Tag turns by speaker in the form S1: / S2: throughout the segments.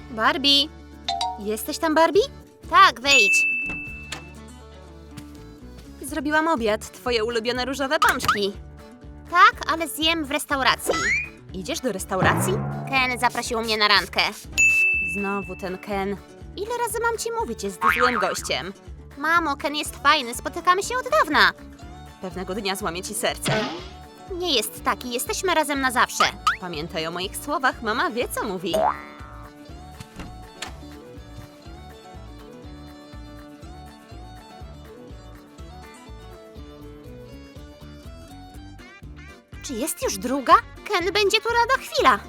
S1: Barbie! Jesteś tam, Barbie? Tak, wejdź. Zrobiłam obiad, twoje ulubione różowe pączki. Tak, ale zjem w restauracji. Idziesz do restauracji? Ken zaprosił mnie na randkę. Znowu ten Ken. Ile razy mam ci mówić, jest złym gościem? Mamo, Ken jest fajny, spotykamy się od dawna. Pewnego dnia złamie ci serce. Nie jest taki, jesteśmy razem na zawsze. Pamiętaj o moich słowach, mama wie, co mówi. Czy jest już druga? Ken będzie tu lada chwila.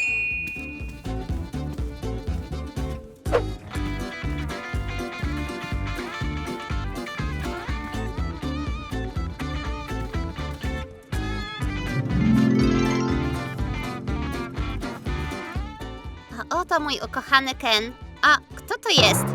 S1: A oto mój ukochany Ken. A kto to jest?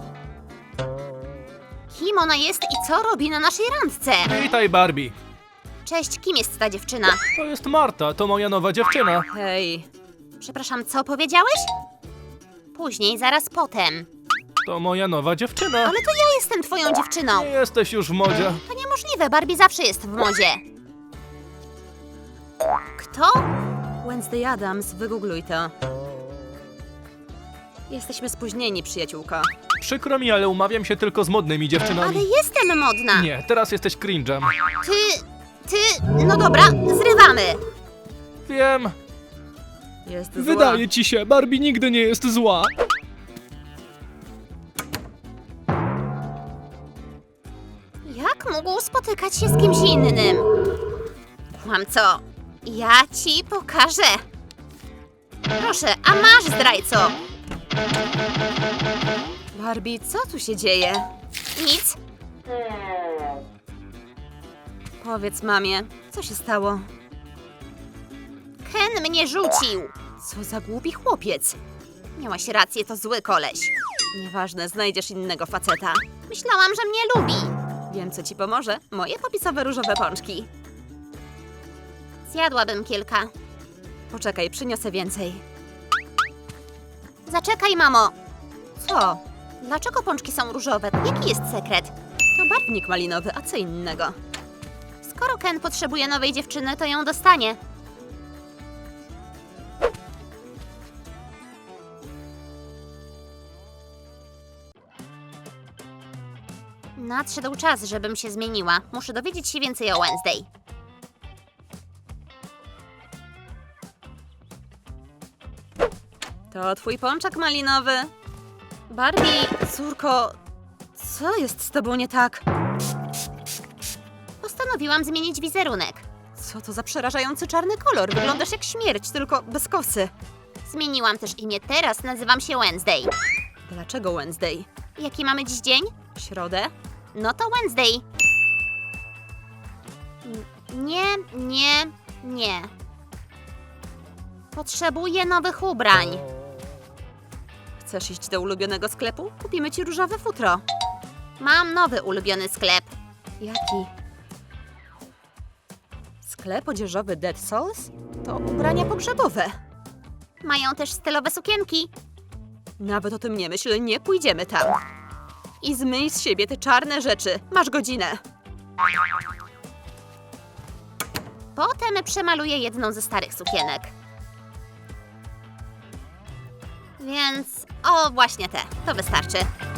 S1: Kim ona jest i co robi na naszej randce?
S2: Witaj, Barbie.
S1: Cześć, kim jest ta dziewczyna?
S2: To jest Marta, to moja nowa dziewczyna.
S1: Hej. Przepraszam, co powiedziałeś? Później, zaraz potem.
S2: To moja nowa dziewczyna.
S1: Ale to ja jestem twoją dziewczyną.
S2: Nie jesteś już w modzie.
S1: To niemożliwe, Barbie zawsze jest w modzie. Kto? Wednesday Addams, wygoogluj to. Jesteśmy spóźnieni, przyjaciółko.
S2: Przykro mi, ale umawiam się tylko z modnymi dziewczynami.
S1: Ale jestem modna.
S2: Nie, teraz jesteś cringe'em.
S1: No dobra, zrywamy.
S2: Wiem.
S1: Jest zła.
S2: Wydaje ci się, Barbie nigdy nie jest zła.
S1: Jak mógł spotykać się z kimś innym? Mam co? Ja ci pokażę. Proszę, a masz, zdrajco. Barbie, co tu się dzieje? Nic. Powiedz mamie, co się stało? Ken mnie rzucił. Co za głupi chłopiec. Miałaś rację, to zły koleś. Nieważne, znajdziesz innego faceta. Myślałam, że mnie lubi. Wiem, co ci pomoże. Moje popisowe różowe pączki. Zjadłabym kilka. Poczekaj, przyniosę więcej. Zaczekaj, mamo. Co? Dlaczego pączki są różowe? Jaki jest sekret? To barwnik malinowy, a co innego? Skoro Ken potrzebuje nowej dziewczyny, to ją dostanie. Nadszedł czas, żebym się zmieniła. Muszę dowiedzieć się więcej o Wednesday. To twój pączek malinowy. Barbie, córko, co jest z tobą nie tak? Postanowiłam zmienić wizerunek. Co to za przerażający czarny kolor? Wyglądasz jak śmierć, tylko bez kosy. Zmieniłam też imię. Teraz nazywam się Wednesday. Dlaczego Wednesday? Jaki mamy dziś dzień? Środę? No to Wednesday. Nie. Potrzebuję nowych ubrań. Chcesz iść do ulubionego sklepu? Kupimy ci różowe futro. Mam nowy ulubiony sklep. Jaki? Sklep odzieżowy Dead Souls? To ubrania pogrzebowe. Mają też stylowe sukienki. Nawet o tym nie myśl, nie pójdziemy tam. I zmyj z siebie te czarne rzeczy. Masz godzinę. Potem przemaluję jedną ze starych sukienek. Więc... o, właśnie te. To wystarczy.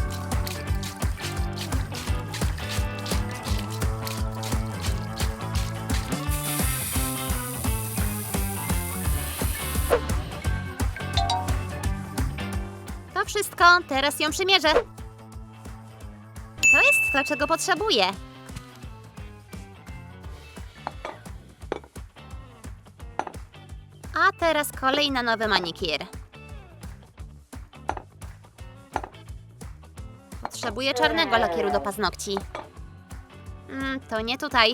S1: To wszystko. Teraz ją przymierzę. To jest to, czego potrzebuję. A teraz kolej na nowy manikir. Potrzebuję czarnego lakieru do paznokci. To nie tutaj.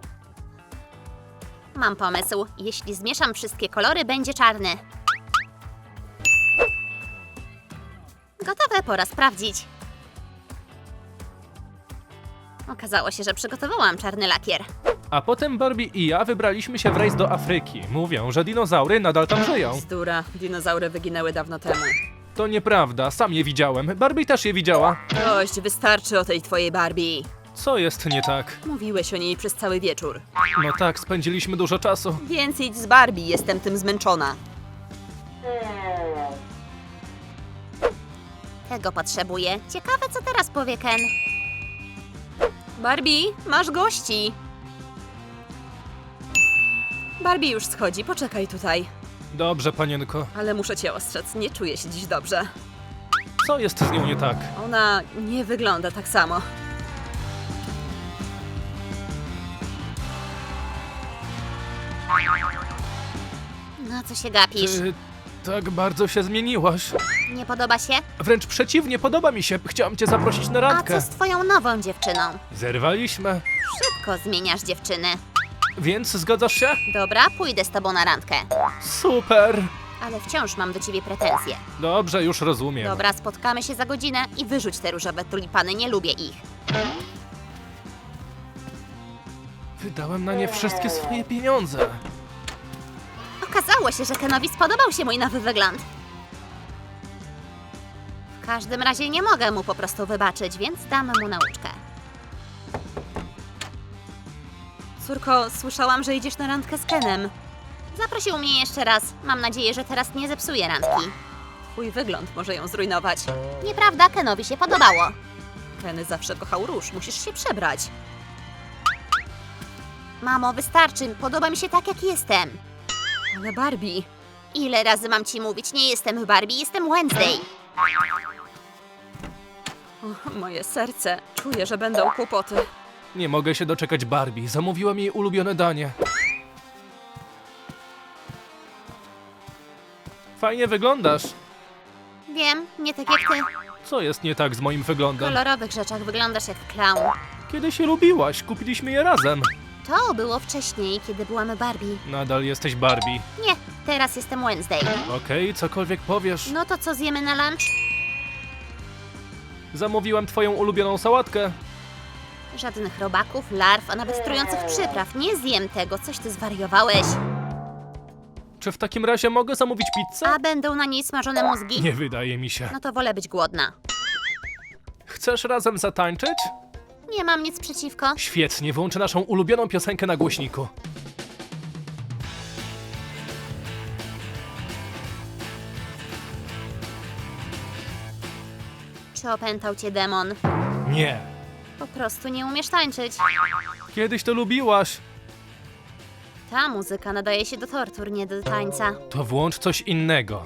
S1: Mam pomysł. Jeśli zmieszam wszystkie kolory, będzie czarny. Gotowe, pora sprawdzić. Okazało się, że przygotowałam czarny lakier.
S2: A potem Barbie i ja wybraliśmy się w rejs do Afryki. Mówią, że dinozaury nadal tam żyją.
S1: Bzdura, dinozaury wyginęły dawno temu.
S2: To nieprawda, sam je widziałem. Barbie też je widziała.
S1: Dość, wystarczy o tej twojej Barbie.
S2: Co jest nie tak?
S1: Mówiłeś o niej przez cały wieczór.
S2: No tak, spędziliśmy dużo czasu.
S1: Więc idź z Barbie, jestem tym zmęczona. Tego potrzebuję. Ciekawe, co teraz powie Ken. Barbie, masz gości. Barbie już schodzi, poczekaj tutaj.
S2: Dobrze, panienko.
S1: Ale muszę cię ostrzec, nie czuję się dziś dobrze.
S2: Co jest z nią nie tak?
S1: Ona nie wygląda tak samo. No co się gapisz?
S2: Ty tak bardzo się zmieniłaś.
S1: Nie podoba się?
S2: Wręcz przeciwnie, podoba mi się. Chciałam cię zaprosić na
S1: A
S2: randkę.
S1: co z twoją nową dziewczyną?
S2: Zerwaliśmy.
S1: Szybko zmieniasz dziewczyny.
S2: Więc zgadzasz się?
S1: Dobra, pójdę z tobą na randkę.
S2: Super.
S1: Ale wciąż mam do ciebie pretensje.
S2: Dobrze, już rozumiem.
S1: Dobra, spotkamy się za godzinę i wyrzuć te różowe tulipany, nie lubię ich.
S2: Wydałem na nie wszystkie swoje pieniądze.
S1: Okazało się, że Kenowi spodobał się mój nowy wygląd. W każdym razie nie mogę mu po prostu wybaczyć, więc dam mu nauczkę. Córko, słyszałam, że idziesz na randkę z Kenem. Zaprosił mnie jeszcze raz. Mam nadzieję, że teraz nie zepsuje randki. Twój wygląd może ją zrujnować. Nieprawda, Kenowi się podobało. Ken zawsze kochał róż, musisz się przebrać. Mamo, wystarczy. Podoba mi się tak, jak jestem. Ale Barbie... Ile razy mam ci mówić? Nie jestem Barbie, jestem Wednesday. O, moje serce. Czuję, że będą kłopoty.
S2: Nie mogę się doczekać Barbie. Zamówiłam jej ulubione danie. Fajnie wyglądasz.
S1: Wiem, nie tak jak ty.
S2: Co jest nie tak z moim
S1: W
S2: wyglądem?
S1: kolorowych rzeczach wyglądasz jak clown.
S2: Kiedy się lubiłaś, kupiliśmy je razem.
S1: To było wcześniej, kiedy byłam Barbie.
S2: Nadal jesteś Barbie.
S1: Nie, teraz jestem Wednesday.
S2: Okej, cokolwiek powiesz.
S1: No to co zjemy na lunch?
S2: Zamówiłam twoją ulubioną sałatkę.
S1: Żadnych robaków, larw, a nawet trujących przypraw. Nie zjem tego, coś ty zwariowałeś.
S2: Czy w takim razie mogę zamówić pizzę?
S1: A będą na niej smażone mózgi?
S2: Nie wydaje mi się.
S1: No to wolę być głodna.
S2: Chcesz razem zatańczyć?
S1: Nie mam nic przeciwko.
S2: Świetnie, włączę naszą ulubioną piosenkę na głośniku.
S1: Czy opętał cię demon?
S2: Nie.
S1: Po prostu nie umiesz tańczyć.
S2: Kiedyś to lubiłaś.
S1: Ta muzyka nadaje się do tortur, nie do tańca.
S2: To włącz coś innego.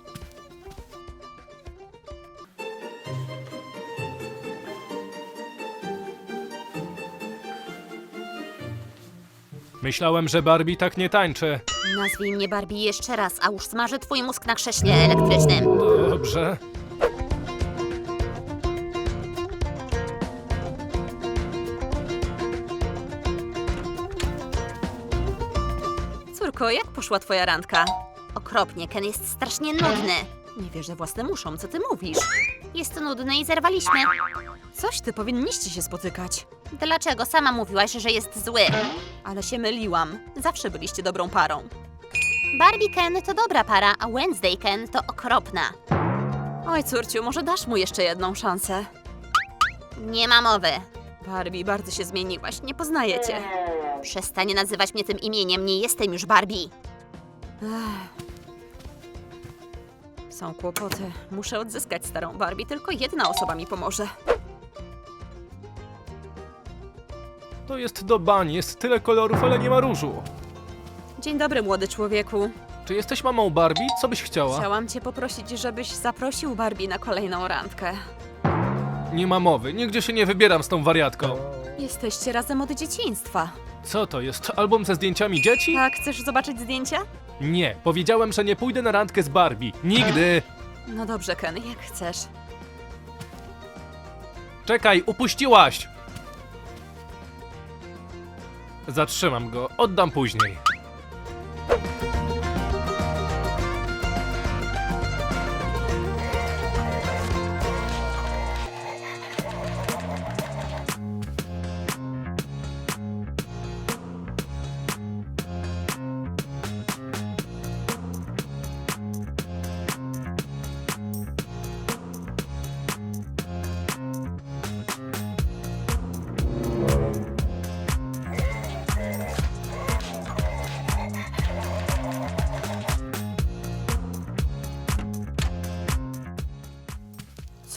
S2: Myślałem, że Barbie tak nie tańczy.
S1: Nazwij mnie Barbie jeszcze raz, a już smażę twój mózg na krześle elektrycznym.
S2: Dobrze.
S1: Córko, jak poszła twoja randka? Okropnie, Ken jest strasznie nudny. Nie wierzę własnym uszom, co ty mówisz? Jest nudny i zerwaliśmy. Coś ty, powinniście się spotykać. Dlaczego? Sama mówiłaś, że jest zły. Ale się myliłam. Zawsze byliście dobrą parą. Barbie Ken to dobra para, a Wednesday Ken to okropna. Oj, córciu, może dasz mu jeszcze jedną szansę? Nie ma mowy. Barbie, bardzo się zmieniłaś, nie poznaję cię. Przestań nazywać mnie tym imieniem, nie jestem już Barbie. Są kłopoty. Muszę odzyskać starą Barbie, tylko jedna osoba mi pomoże.
S2: To jest do bani, jest tyle kolorów, ale nie ma różu.
S1: Dzień dobry, młody człowieku.
S2: Czy jesteś mamą Barbie? Co byś chciała?
S1: Chciałam cię poprosić, żebyś zaprosił Barbie na kolejną randkę.
S2: Nie ma mowy, nigdzie się nie wybieram z tą wariatką.
S1: Jesteście razem od dzieciństwa.
S2: Co to jest? Album ze zdjęciami dzieci?
S1: Tak, chcesz zobaczyć zdjęcia?
S2: Nie, powiedziałem, że nie pójdę na randkę z Barbie. Nigdy!
S1: No dobrze, Ken, jak chcesz.
S2: Czekaj, upuściłaś! Zatrzymam go, oddam później.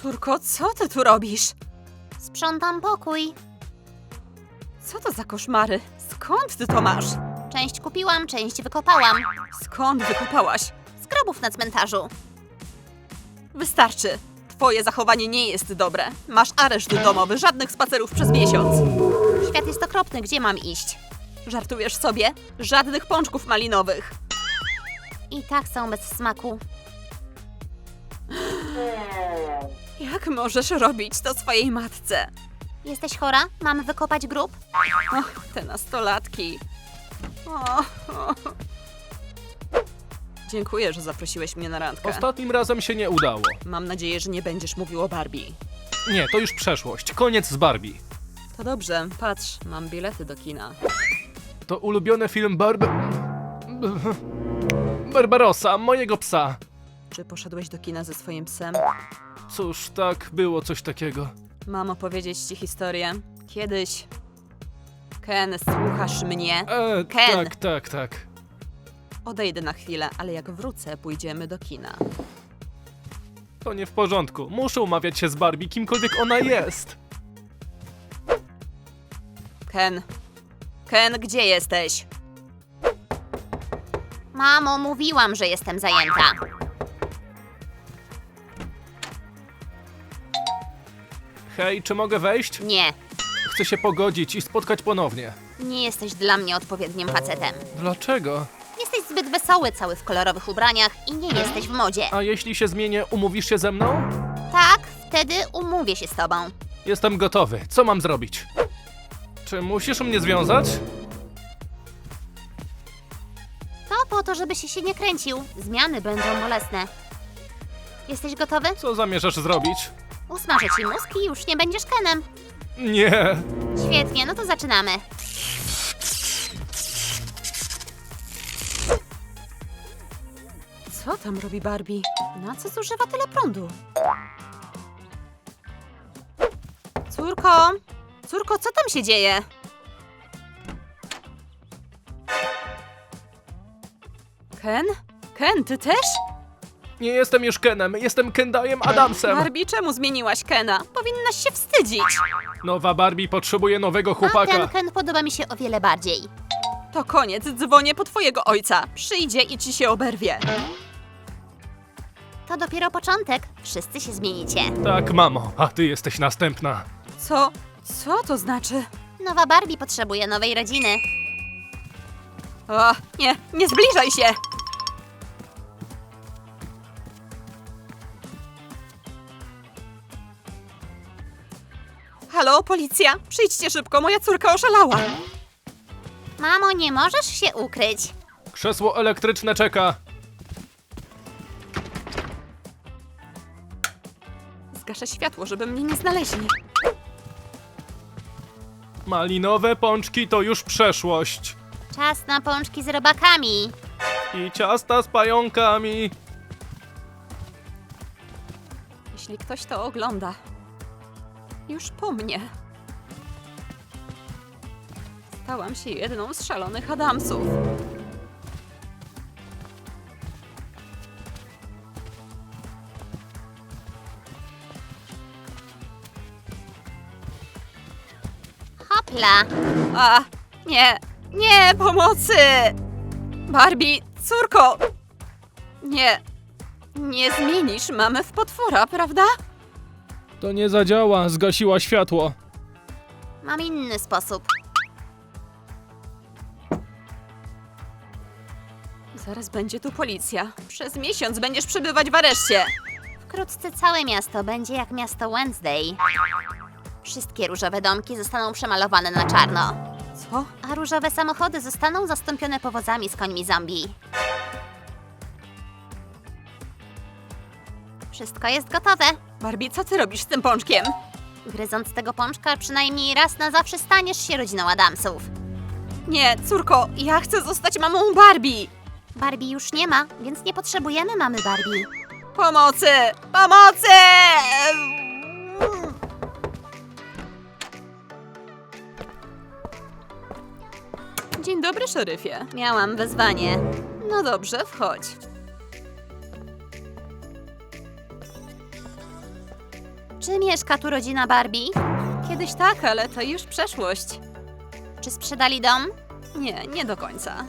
S1: Córko, co ty tu robisz? Sprzątam pokój. Co to za koszmary? Skąd ty to masz? Część kupiłam, część wykopałam. Skąd wykopałaś? Z grobów na cmentarzu. Wystarczy. Twoje zachowanie nie jest dobre. Masz areszt domowy, żadnych spacerów przez miesiąc. Świat jest okropny, gdzie mam iść? Żartujesz sobie? Żadnych pączków malinowych. I tak są bez smaku. Jak możesz robić to swojej matce? Jesteś chora? Mam wykopać grób? Och, te nastolatki. O. Dziękuję, że zaprosiłeś mnie na randkę.
S2: Ostatnim razem się nie udało.
S1: Mam nadzieję, że nie będziesz mówił o Barbie.
S2: Nie, to już przeszłość. Koniec z Barbie.
S1: To dobrze, patrz, mam bilety do kina.
S2: To ulubiony film Barbarossa, mojego psa.
S1: Czy poszedłeś do kina ze swoim psem?
S2: Cóż, tak, było coś takiego.
S1: Mam opowiedzieć ci historię. Kiedyś... Ken, słuchasz mnie? Ken!
S2: Tak.
S1: Odejdę na chwilę, ale jak wrócę, pójdziemy do kina.
S2: To nie w porządku. Muszę umawiać się z Barbie, kimkolwiek ona jest.
S1: Ken. Ken, gdzie jesteś? Mamo, mówiłam, że jestem zajęta.
S2: Hej, czy mogę wejść?
S1: Nie,
S2: Chcę się pogodzić i spotkać ponownie.
S1: nie jesteś dla mnie odpowiednim facetem.
S2: Dlaczego?
S1: Jesteś zbyt wesoły, cały w kolorowych ubraniach i nie jesteś w modzie.
S2: A jeśli się zmienię, umówisz się ze mną?
S1: Tak, wtedy umówię się z tobą.
S2: Jestem gotowy. Co mam zrobić? Czy musisz mnie związać?
S1: To po to, żebyś się nie kręcił. Zmiany będą bolesne. Jesteś gotowy?
S2: Co zamierzasz zrobić?
S1: Usmażę ci mózg i już nie będziesz Kenem.
S2: Nie.
S1: Świetnie, no to zaczynamy. Co tam robi Barbie? Na co zużywa tyle prądu? Córko! Córko, co tam się dzieje? Ken? Ken, ty też?
S2: Nie jestem już Kenem, jestem Kendajem Adamsem.
S1: Barbie, czemu zmieniłaś Kena? Powinnaś się wstydzić.
S2: Nowa Barbie potrzebuje nowego
S1: A ten
S2: chłopaka.
S1: Ken podoba mi się o wiele bardziej. To koniec, dzwonię po twojego ojca. Przyjdzie i ci się oberwie. To dopiero początek. Wszyscy się zmienicie.
S2: Tak, mamo, a ty jesteś następna.
S1: Co? Co to znaczy? Nowa Barbie potrzebuje nowej rodziny. O, nie zbliżaj się! Halo, policja! Przyjdźcie szybko, moja córka oszalała! Mamo, nie możesz się ukryć.
S2: Krzesło elektryczne czeka.
S1: Zgaszę światło, żeby mnie nie znaleźli.
S2: Malinowe pączki to już przeszłość.
S1: Czas na pączki z robakami.
S2: I ciasta z pająkami.
S1: Jeśli ktoś to ogląda, już po mnie. Stałam się jedną z szalonych Adamsów. Hopla! A, nie, pomocy! Barbie, córko! Nie zmienisz mamy w potwora, prawda?
S2: To nie zadziała, zgasiła światło.
S1: Mam inny sposób. Zaraz będzie tu policja. Przez miesiąc będziesz przebywać w areszcie. Wkrótce całe miasto będzie jak miasto Wednesday. Wszystkie różowe domki zostaną przemalowane na czarno. Co? A różowe samochody zostaną zastąpione powozami z końmi zombie. Wszystko jest gotowe. Barbie, co ty robisz z tym pączkiem? Gryząc tego pączka, przynajmniej raz na zawsze staniesz się rodziną Adamsów. Nie, córko, ja chcę zostać mamą Barbie. Barbie już nie ma, więc nie potrzebujemy mamy Barbie. Pomocy! Pomocy! Dzień dobry, szeryfie. Miałam wezwanie. No dobrze, wchodź. Czy mieszka tu rodzina Barbie? Kiedyś tak, ale to już przeszłość. Czy sprzedali dom? Nie, nie do końca.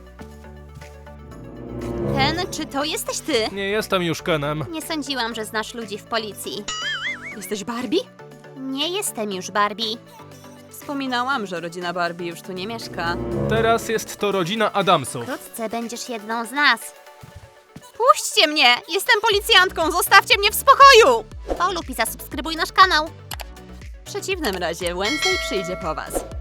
S1: Ken, czy to jesteś ty?
S2: Nie jestem już Kenem.
S1: Nie sądziłam, że znasz ludzi w policji. Jesteś Barbie? Nie jestem już Barbie. Wspominałam, że rodzina Barbie już tu nie mieszka.
S2: Teraz jest to rodzina Adamsów.
S1: Wkrótce będziesz jedną z nas. Puśćcie mnie! Jestem policjantką! Zostawcie mnie w spokoju! Polub i zasubskrybuj nasz kanał. W przeciwnym razie Wednesday przyjdzie po was.